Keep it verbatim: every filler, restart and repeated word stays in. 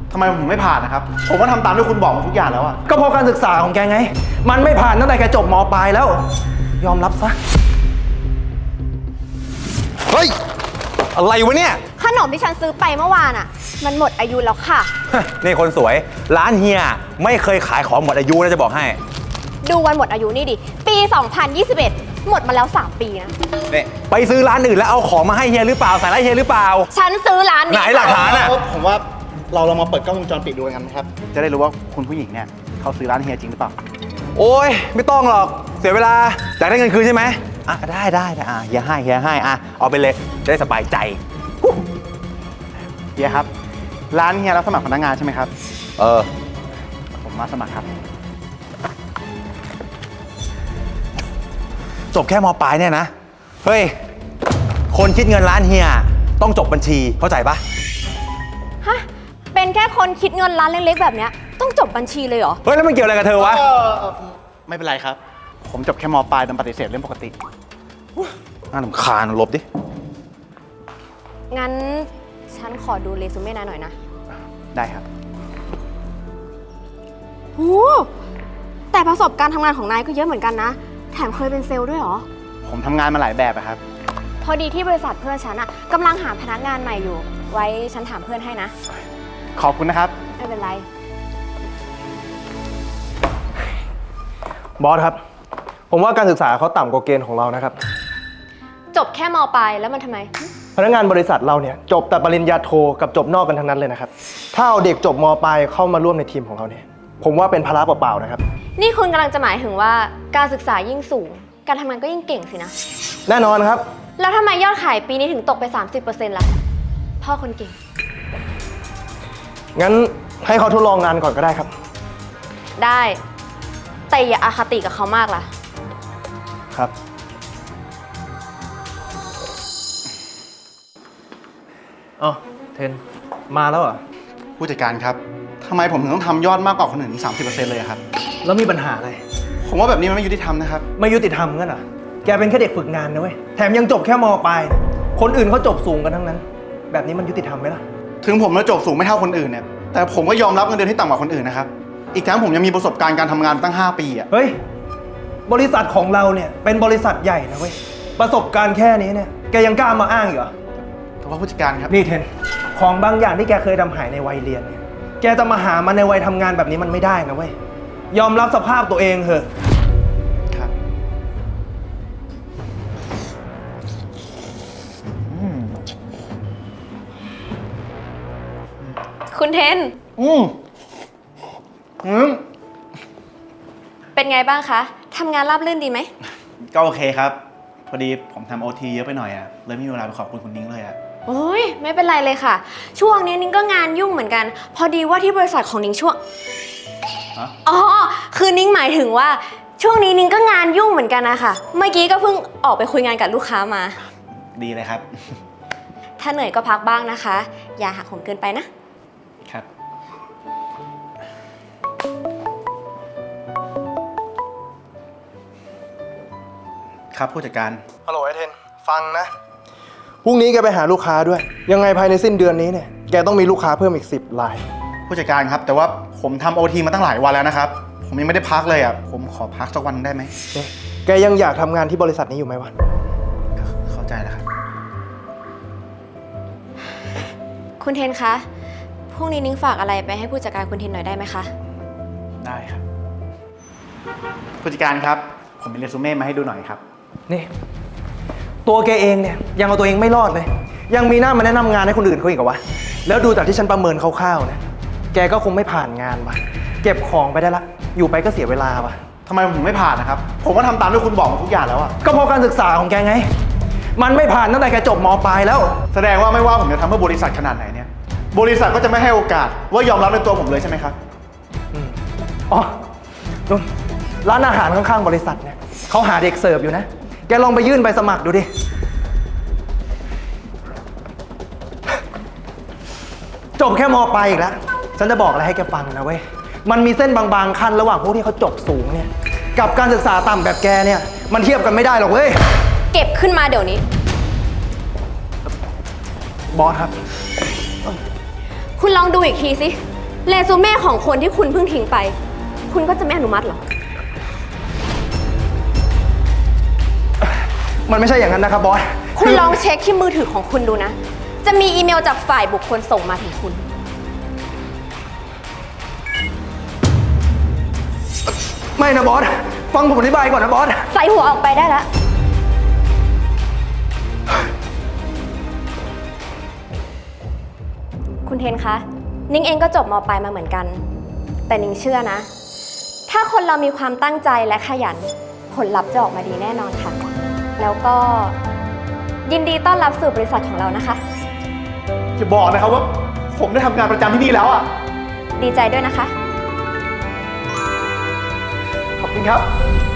ทำไมผมไม่ผ่านนะครับผมก็ทำตามที่คุณบอกมาทุกอย่างแล้วอะก็เพราะการศึกษาของแกไงมันไม่ผ่านตั้งแต่แกจบม.ปลายแล้วยอมรับซะเฮ้ยอะไรวะเนี่ยขนมที่ฉันซื้อไปเมื่อวานอ่ะมันหมดอายุแล้วค่ะนี่คนสวยร้านเฮียไม่เคยขายของหมดอายุนะจะบอกให้ดูวันหมดอายุนี่ดิปีสองพันยี่สิบเอ็ดหมดมาแล้วสามปีนะนี่ไปซื้อร้านอื่นแล้วเอาของมาให้เฮียหรือเปล่าใส่ร้านเฮียหรือเปล่าฉันซื้อร้านนี้ไหนหลักฐานอ่ะผมว่าเราลองมาเปิดกล้องวงจรปิดดูกันนะครับจะได้รู้ว่าคุณผู้หญิงเนี่ยเขาซื้อร้านเฮียจริงหรือเปล่าโอ้ยไม่ต้องหรอกเสียเวลาอยากได้เงินคืนใช่ไหมอ่ะได้ได้ได้อ่ะเฮียให้เฮียให้อ่ะเอาไปเลยจะได้สบายใจเฮียครับร้านเฮียรับสมัครพนักงานใช่ไหมครับเออผมมาสมัครครับจบแค่ม.ปลายเนี่ยนะเฮ้ยคนคิดเงินร้านเฮียต้องจบบัญชีเข้าใจปะฮะเป็นแค่คนคิดเงินร้านเล็กๆแบบเนี้ยต้องจบบัญชีเลยเหรอเฮ้ยแล้วมันเกี่ยวอะไรกับเธอวะไม่เป็นไรครับผมจบแค่ม.ปลายโดนปฏิเสธเรื่องปกติน่ารำคาญลบดิงั้นฉันขอดูเรซูเม่นายหน่อยนะได้ครับโหแต่ประสบการณ์ทำงานของนายก็เยอะเหมือนกันนะแถมเคยเป็นเซลล์ด้วยเหรอผมทำงานมาหลายแบบอะครับพอดีที่บริษัทเพื่อนฉันอะกำลังหาพนักงานใหม่อยู่ไว้ฉันถามเพื่อนให้นะขอบคุณนะครับไม่เป็นไรบอสครับผมว่าการศึกษาเขาต่ำกว่าเกณฑ์ของเรานะครับจบแค่ม.ปลายแล้วมันทำไมพนักงานบริษัทเราเนี่ยจบแต่ปริญญาโทกับจบนอกกันทั้งนั้นเลยนะครับถ้าเอาเด็กจบม.ปลายเข้ามาร่วมในทีมของเราเนี่ยผมว่าเป็นภาระเปล่าๆนะครับนี่คุณกำลังจะหมายถึงว่าการศึกษายิ่งสูงการทำงานก็ยิ่งเก่งสินะแน่นอนครับแล้วทำไมยอดขายปีนี้ถึงตกไป สามสิบเปอร์เซ็นต์ ล่ะพ่อคนเก่งงั้นให้เขาทดลองงานก่อนก็ได้ครับได้แต่อย่าอาคติกับเขามากล่ะครับอ๋อเทนมาแล้วเหรอผู้จัดการครับทำไมผมถึงต้องทำยอดมากกว่าคนอื่นถึง สามสิบเปอร์เซ็นต์ เลยครับแล้วมีปัญหาอะไรผมว่าแบบนี้มันไม่ยุติธรรมนะครับไม่ยุติธรรมงั้นเหรอแกเป็นแค่เด็กฝึกงานนะเว้ยแถมยังจบแค่ม.ปลายคนอื่นเขาจบสูงกันทั้งนั้นแบบนี้มันยุติธรรมไหมล่ะถึงผมจะจบสูงไม่เท่าคนอื่นเนี่ยแต่ผมก็ยอมรับเงินเดือนที่ต่ำกว่าคนอื่นนะครับอีกทั้งผมยังมีประสบการณ์การทำงานตั้งห้าปีอ่ะเฮ้ยบริษัทของเราเนี่ยเป็นบริษัทใหญ่นะเว้ยประสบการณ์แค่นี้เนี่ยแกยังกล้ามาอ้างอีกเหรอถือว่าผู้จัดการครับนี่เทนของบางอย่างที่แกเคยทำหายในวัยเรียนเนี่ยแกจะมาหามันในวัยทำงานแบบนี้มันไม่ได้นะเว้ยยอมรับสภาพตัวเองเถอะครับคุณเทนอืมอืมเป็นไงบ้างคะทำงานราบรื่นดีไหมก็โอเคครับพอดีผมทำโอทีเยอะไปหน่อยอะเลยไม่มีเวลาไปขอบคุณคุณนิ้งเลยอะโอ้ยไม่เป็นไรเลยค่ะช่วงนี้นิ้งก็งานยุ่งเหมือนกันพอดีว่าที่บริษัทของนิ้งช่วงอ๋อคือนิ้งหมายถึงว่าช่วงนี้นิ้งก็งานยุ่งเหมือนกันนะคะเมื่อกี้ก็เพิ่งออกไปคุยงานกับลูกค้ามาดีเลยครับถ้าเหนื่อยก็พักบ้างนะคะอย่าหักโหมเกินไปนะครับครับผู้จัดการฮัลโหลไอเทนฟังนะพรุ่งนี้แกไปหาลูกค้าด้วยยังไงภายในสิ้นเดือนนี้เนี่ยแกต้องมีลูกค้าเพิ่มอีกสิบรายผู้จัดการครับแต่ว่าผมทำโอทีมาตั้งหลายวันแล้วนะครับผมยังไม่ได้พักเลยอ่ะผมขอพักสักวันได้ไหมแกยังอยากทำงานที่บริษัทนี้อยู่ไหมวะเข้าใจแล้วครับคุณเทนคะพรุ่งนี้นิ้งฝากอะไรไปให้ผู้จัดการคุณเทนหน่อยได้ไหมคะได้ครับผู้จัดการครับผมมีเรซูเม่มาให้ดูหน่อยครับนี่ตัวแกเองเนี่ยยังเอาตัวเองไม่รอดเลยยังมีหน้ามาแนะนำงานให้คนอื่นเขาอีกเหรอวะแล้วดูจากที่ฉันประเมินคร่าวๆเนี่ยแกก็คงไม่ผ่านงานวะเก็บของไปได้ละอยู่ไปก็เสียเวลาวะทำไมผมไม่ผ่านนะครับผมก็ทำตามที่คุณบอกมาทุกอย่างแล้วอะก็เพราะการศึกษาของแกไงมันไม่ผ่านตั้งแต่แกจบม.ปลายแล้วแสดงว่าไม่ว่าผมจะทำเพื่อบริษัทขนาดไหนเนี่ยบริษัทก็จะไม่ให้โอกาสว่ายอมรับในตัวผมเลยใช่ไหมครับอ๋อนุ่นร้านอาหารข้างๆบริษัทเนี่ยเขาหาเด็กเสิร์ฟอยู่นะแกลองไปยื่นใบสมัครดูดิจบแค่ม.ปลายอีกแล้วฉันจะบอกอะไรให้แกฟังนะเว้ยมันมีเส้นบางๆขั้นระหว่างพวกที่เขาจบสูงเนี่ยกับการศึกษาต่ำแบบแกเนี่ยมันเทียบกันไม่ได้หรอกเว้ยเก็บขึ้นมาเดี๋ยวนี้บอสครับคุณลองดูอีกทีสิเรซูเม่ของคนที่คุณเพิ่งทิ้งไป คุณก็จะไม่อนุมัติเหรอมันไม่ใช่อย่างนั้นนะครับบอสคุณลองเช็คที่มือถือของคุณดูนะ จะมีอีเมลจากฝ่ายบุคคลส่งมาถึงคุณไม่นะบอส ฟังผมอธิบายก่อนนะบอสใส่หัวออกไปได้แล้ว คุณเทนคะ นิ้งเองก็จบม.ปลายมาเหมือนกัน แต่นิ้งเชื่อนะ ถ้าคนเรามีความตั้งใจและขยัน ผลลัพธ์จะออกมาดีแน่นอนค่ะ แล้วก็ยินดีต้อนรับสู่บริษัทของเรานะคะอย่าบอกนะครับว่าผมได้ทำงานประจำที่นี่แล้วอ่ะดีใจด้วยนะคะขอบคุณครับ